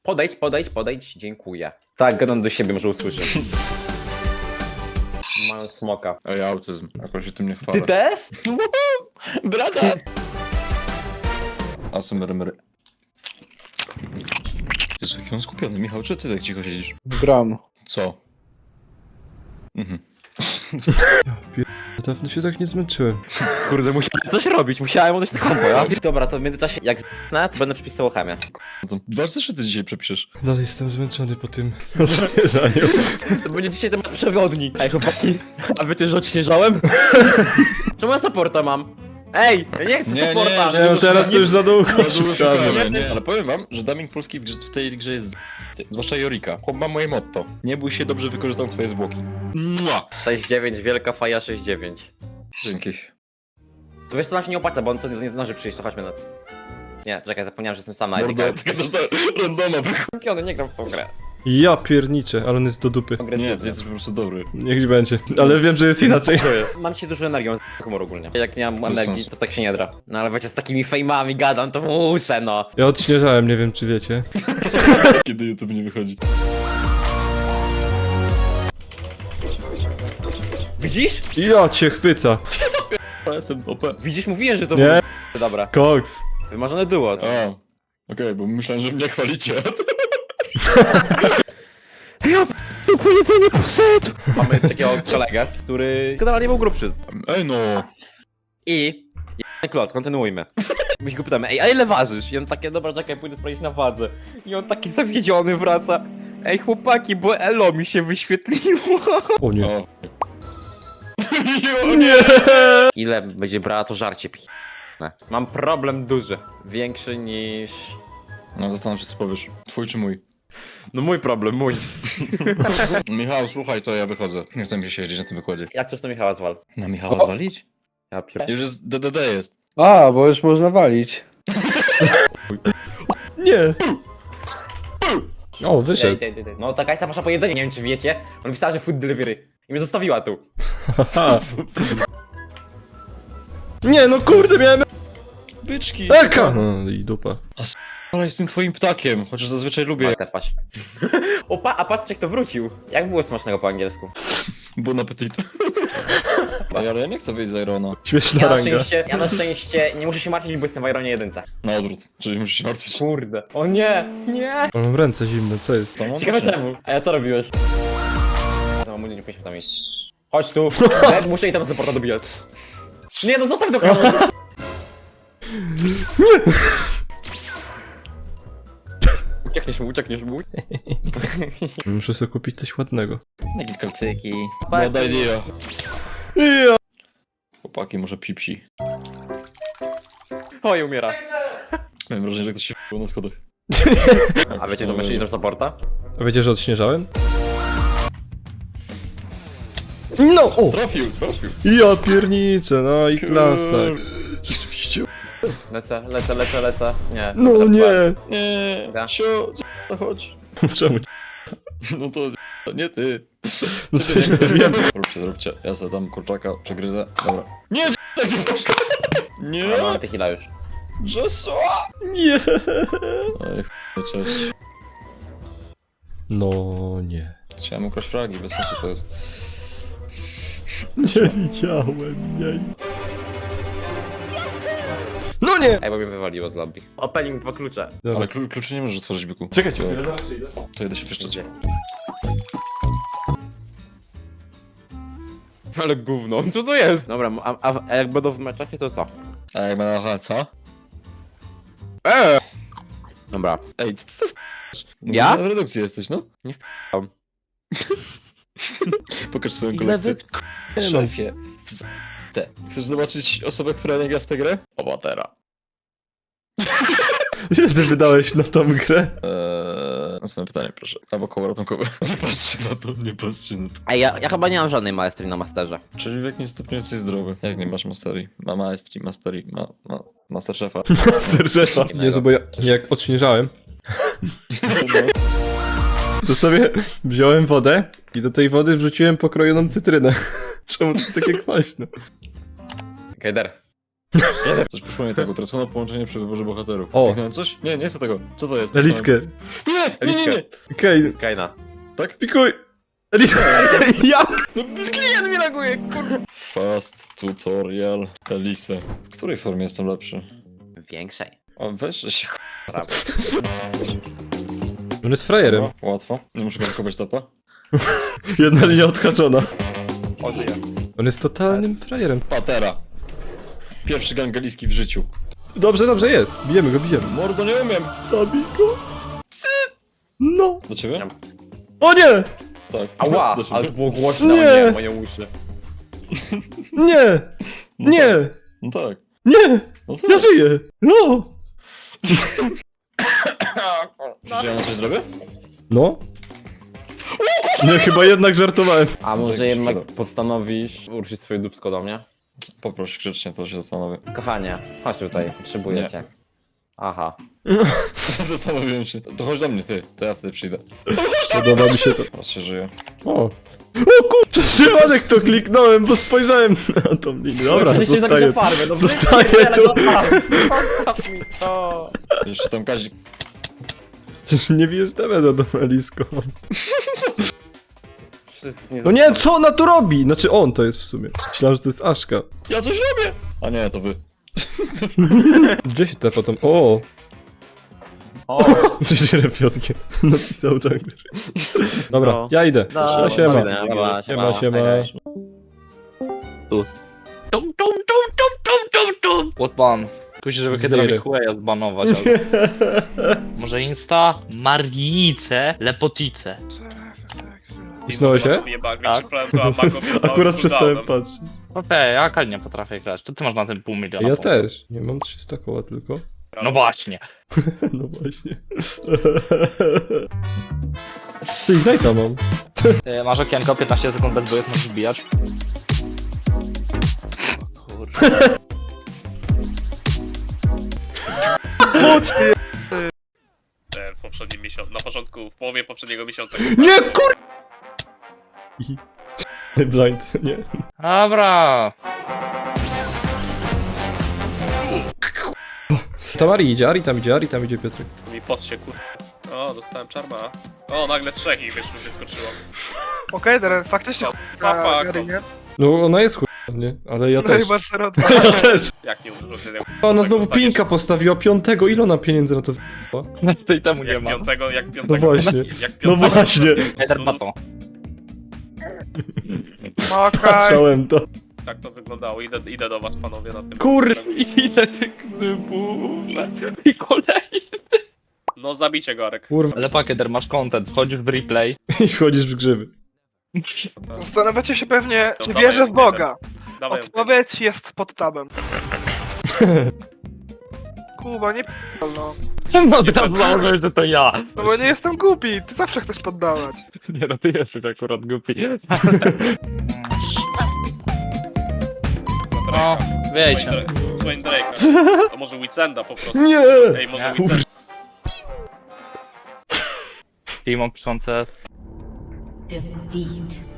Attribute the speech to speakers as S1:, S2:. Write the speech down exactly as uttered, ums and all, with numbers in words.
S1: Podejdź, podejdź, podejdź, dziękuję. Tak, gadam do siebie, może usłyszę. Mają smoka.
S2: Ej, autyzm. Jakoś się tym nie chwalę.
S1: Ty też?
S2: Brata! A co myry, myry. Jezu, jaki on skupiony. Michał, czy ty tak cicho siedzisz?
S3: Gram.
S2: Co? Mhm.
S3: Dawno się tak nie zmęczyłem.
S1: Kurde, musiałem coś robić, musiałem odejść do kompo, ja? Dobra, to w międzyczasie, jak z***nę, to będę przepisał chemię.
S2: No to dwa zeszyty dzisiaj przepiszesz.
S3: Dalej jestem zmęczony po tym odświeżaniu.
S1: To będzie dzisiaj temat przewodni. Ej, chłopaki, a wiecie, że odśnieżałem? Czemu ja supporta mam? Ej, ja nie chcę
S2: Nie, nie,
S1: supporta!
S2: że-
S3: Nie, teraz to już za długo
S2: Bardzo
S3: szukamy.
S2: szukamy, nie? Ale powiem wam, że dubbing polski w, grze, w tej grze jest z***ty. Zwłaszcza Jorika. Chłop ma moje motto. Nie bój się, dobrze wykorzystam twoje zwłoki. Mua!
S1: sześć dziewięć, wielka faja sześć dziewięć.
S2: Dzięki.
S1: To wiesz co, nam się nie opłaca, bo on to nie, nie zdąży przyjść, to chodźmy na... Nie, czekaj, zapomniałem, że jestem sama.
S2: Mordo, ty gadasz do randoma.
S1: Kampiony, nie gram w tą grę.
S3: Ja pierniczę, ale on jest do dupy.
S2: Nie, ty jesteś po prostu dobry.
S3: Niech będzie. Ale wiem, że jest inaczej.
S1: Mam się dużo energią z humor ogólnie. Jak nie mam
S2: Bez
S1: energii,
S2: sensu.
S1: to tak się nie dra. No ale wiecie, z takimi fejmami gadam, to muszę, no.
S3: Ja odśnieżałem, nie wiem czy wiecie.
S2: Kiedy YouTube nie wychodzi.
S1: Widzisz?
S3: Ja cię chwyca.
S2: Ja jestem O P.
S1: Widzisz, mówiłem, że to
S3: Nie?
S1: było dobra.
S3: Koks.
S1: Wymarzone było.
S2: A, okej, bo myślałem, że mnie chwalicie.
S1: Ja po jedzenie poszedł! Mamy takiego kolegę, który generalnie był grubszy.
S2: Ej no.
S1: I... I klot, kontynuujmy. My się go pytamy, ej, a ile ważysz? I on takie, dobra, czekaj, pójdę sprawdzić na wadze. I on taki zawiedziony wraca. Ej, chłopaki, bo elo mi się wyświetliło.
S3: O nie.
S2: O.
S3: O nie!
S1: Ile będzie brała to żarcie pi... Mam problem duży. Większy niż...
S2: No zastanów się co powiesz. Twój czy mój?
S1: No mój problem, mój.
S2: Michał, słuchaj, to ja wychodzę. Nie chcę mi się siedzieć na tym wykładzie.
S1: Jak coś to Michała zwal?
S2: Na Michała
S3: O.
S2: zwalić?
S1: Ja pier...
S2: Już jest D D D jest.
S3: A, bo już można walić. Nie. O,
S1: Ej,
S3: wyszedł.
S1: ej, ej, ej. No ta Kajsa poszła po jedzenie, nie wiem czy wiecie. On pisała, że food delivery. I mnie zostawiła tu.
S3: Haha. Nie, no kurde, miałem...
S2: Byczki!
S3: Eka! No i dupa.
S2: Ale jestem twoim ptakiem, chociaż zazwyczaj lubię.
S1: Tepaś. Opa, a patrzcie kto wrócił. Jak było smacznego po angielsku?
S2: Bon appetit. Ej, ale ja nie chcę wyjść z Irona.
S3: Śmieszna
S1: Ja na
S3: ranga.
S1: szczęście, ja na szczęście nie muszę się martwić, bo jestem w Ironie jedynce.
S2: Na odwrót, czyli musisz się martwić.
S1: Kurde. O nie, nie.
S3: Ale mam ręce zimne, co jest?
S2: To mam
S1: Ciekawe
S2: proszę.
S1: czemu. A ja co robiłeś? Za mamu nie powinniśmy tam iść. Chodź tu. Red, muszę i tam supporta dobijać. Nie no, zostaw do kogoś. Uciekniesz mu, uciekniesz mu.
S3: Muszę sobie kupić coś ładnego.
S2: Jakieś kalcyki.
S1: Chłopaki.
S2: Bad idea.
S3: Ja.
S2: Chłopaki, może pipsi.
S1: Oj, umiera.
S2: Miałem wrażenie, że ktoś się f***ł na schodach.
S1: A wiecie, że myślisz do supporta?
S3: A wiecie, że odśnieżałem? No! O!
S2: Trafił, trafił.
S3: Ja pierniczę, no i klasa. Rzeczywiście.
S1: Lecę, lecę, lecę, lecę. Nie.
S3: No
S1: dobra,
S3: nie!
S2: Nie,
S1: Da.
S2: sio, co chodź.
S3: Czemu?
S2: No to to nie ty.
S3: No
S2: Czy ty nie
S3: przecież
S2: chcesz?
S3: wiem.
S2: Zróbcie, zróbcie. Ja sobie tam kurczaka przegryzę. Dobra. Nie, tak się proszę. Nie,
S1: Ale mamy tequila już.
S2: Jezu.
S3: Nie!
S2: Ej, ch... cześć.
S3: No nie.
S2: Chciałem ukraść fragi, bez sensu to jest.
S3: Nie widziałem, nie. No nie!
S1: Ej, bo mnie wywaliło z lobby. Opening dwa klucze.
S3: Dobra.
S2: Ale klu kluczy nie możesz otworzyć, byku.
S3: Czekajcie,
S2: to,
S3: chwilę, zaraz przyjdę.
S2: to jedę się pieszczeć.
S1: Ale gówno, co to jest? Dobra, a, a, a jak będą w meczacie, to co?
S2: A jak będę aha, co?
S1: Eee! Dobra.
S2: Ej, ty co f***sz?
S1: Ja?
S2: W redukcji jesteś, no?
S1: Nie f***am.
S2: Pokaż swoją
S1: Ile
S2: kolekcję.
S1: wy-
S2: Szefie. Z... Te. Chcesz zobaczyć osobę, która nie gra w tę grę? Obatera.
S3: Ile ty wydałeś na tą grę?
S2: Eee, następne pytanie, proszę. Albo koło ratunkowe. Nie patrzcie na to, nie patrzcie na to.
S1: Ej, ja, ja chyba nie mam żadnej maestrii na masterze.
S2: Czyli w jakimś stopniu jesteś zdrowy. Jak nie masz masterii? Ma maestrii, masterii, ma, ma masterszefa.
S3: Master szefa. Jezu, bo ja jak odśnieżałem, to sobie wziąłem wodę i do tej wody wrzuciłem pokrojoną cytrynę. Czemu to jest takie kwaśne?
S1: Kejder.
S2: Coś przypomina tego, utracono połączenie przy wyborze bohaterów.
S3: O.
S2: Kliknąłem coś? Nie, nie jest to tego. Co to jest?
S3: Eliskę.
S2: Nie, nie, nie, nie.
S3: Okej,
S1: Kaina.
S2: Tak?
S3: pikuj. Eliskę. Jak?
S2: No klient mi laguje, kurwa. Fast tutorial Elise. W której formie jestem lepszy?
S1: Większej.
S2: O, weź że się
S1: Prawda.
S3: On jest frajerem.
S2: Łatwo, łatwo. Nie muszę blokować tapa.
S3: Jedna linia odhaczona.
S1: O, żyje.
S3: On jest totalnym frajerem.
S2: Patera. Pierwszy gangeliski w życiu.
S3: Dobrze, dobrze jest. Bijemy go, bijemy.
S2: Mordo, nie umiem.
S3: Zabij go. No.
S2: Do ciebie?
S3: O nie!
S2: Tak.
S1: Ała,
S2: Do ciebie.
S1: ale to było głośno,
S3: Nie.
S1: nie, moje uszy.
S3: Nie!
S2: No
S3: Nie!
S2: tak. No tak.
S3: Nie!
S2: No
S3: Ja
S2: tak.
S3: żyję! No!
S2: Że ja na coś zrobię?
S3: No? Nie, chyba jednak żartowałem.
S1: A może
S2: Tak,
S1: jednak
S2: szkoda.
S1: postanowisz uruszyć swoje dupsko do mnie?
S2: Poproś grzecznie, to się zastanowię.
S1: Kochanie, chodź tutaj, potrzebuję
S2: Nie.
S1: cię. Aha.
S2: Zastanowiłem się. To chodź do mnie, ty. To ja wtedy przyjdę.
S3: Podoba mi się to.
S2: Teraz się żyje.
S3: O! O kur... Przez przypadek to kliknąłem, bo spojrzałem na tą linię. Dobra,
S1: Przecież się zapiszę
S3: zostaję.
S1: farmę, no
S3: Zostaję
S1: wypierdolę,
S3: tu.
S1: zostaw- Zostaw mi to.
S2: Jeszcze tam Kazik.
S3: Przecież nie bijesz demeda do Elisko.
S1: Wszyscy nie
S3: No nie, co ona tu robi? Znaczy on to jest w sumie. Myślałem, że to jest Aszka.
S2: Ja coś robię! A nie, to wy.
S3: Gdzie się te potem... O!
S1: O,
S3: Przecież repiotkiem. Napisał Jungler. Dobra,
S1: No.
S3: ja idę.
S1: no,
S3: No, siema.
S1: dobra, dobra,
S3: Siema, siema.
S1: hej, hej.
S4: Tum, tum, tum, tum, tum, tum, tum. Łotman. Kusi, żeby kiedy
S3: Zero.
S4: robi chuja zbanować, ale... Może Insta? Margice, Lepotice.
S3: Usnąłeś się?
S4: Tak.
S3: Akurat przestałem patrzeć.
S4: Okej, ja Kali nie potrafię grać. To ty masz na tym pół miliona.
S3: Ja
S4: punktów.
S3: też. Nie mam trzysta koła tylko.
S4: No właśnie.
S3: No właśnie. Ty Ignite'a mam.
S4: Y, Masz okienko, piętnaście sekund bez bojów, możesz wbijać. O Kurde.
S5: E, w poprzednim miesiącu, na początku, w połowie poprzedniego miesiąca.
S3: Nie kur... Blind, nie.
S4: Dobra.
S3: Tam Ari idzie, Ari tam idzie, Ari tam idzie Piotrek.
S5: Mi pot się kur... O, dostałem czarma. O, nagle trzech ich wyszło, wyskoczyło.
S6: Okej, teraz faktycznie
S5: Papa,
S6: ta Gary, nie?
S3: No ona jest chuj, nie? Ale ja
S6: No i
S3: też.
S6: masz zero dwa.
S3: Ja też.
S5: Jak nie użyłem tyle.
S3: Ona znowu pinka postawiła piątego, ile ona pieniędzy na to w***a?
S4: Tej temu nie
S5: Jak
S4: ma.
S5: piątego, jak
S3: No
S5: piątego.
S3: właśnie.
S5: Jak
S3: No
S5: piątego.
S3: właśnie.
S4: Eder Bato.
S6: No okej.
S3: Patrzałem to.
S5: Tak to wyglądało. Idę, idę do was, panowie, na tym.
S3: Kur...
S4: Ile tych gdybów. I kolejny.
S5: No zabicie go, Arek.
S3: Kurwa.
S4: Ale Pakeder, masz content, wchodzisz w replay.
S3: I wchodzisz w grzyby.
S6: Zastanawiacie się pewnie,
S5: No
S6: czy
S5: dawaj,
S6: wierzę w Boga.
S5: Dawaj,
S6: Odpowiedź jest pod tabem. Kuba, nie p***l, no.
S4: No teraz założyłeś, że to ja.
S6: No bo nie jestem głupi, ty zawsze chcesz poddawać.
S4: Nie no, ty jesteś akurat głupi. No, wiecie.
S5: Swain Drake'a. A może Witsenda po prostu.
S3: Nie!
S5: Ej, może
S4: Nie.
S5: Witsenda.
S4: Timo piszące.
S7: Defeat.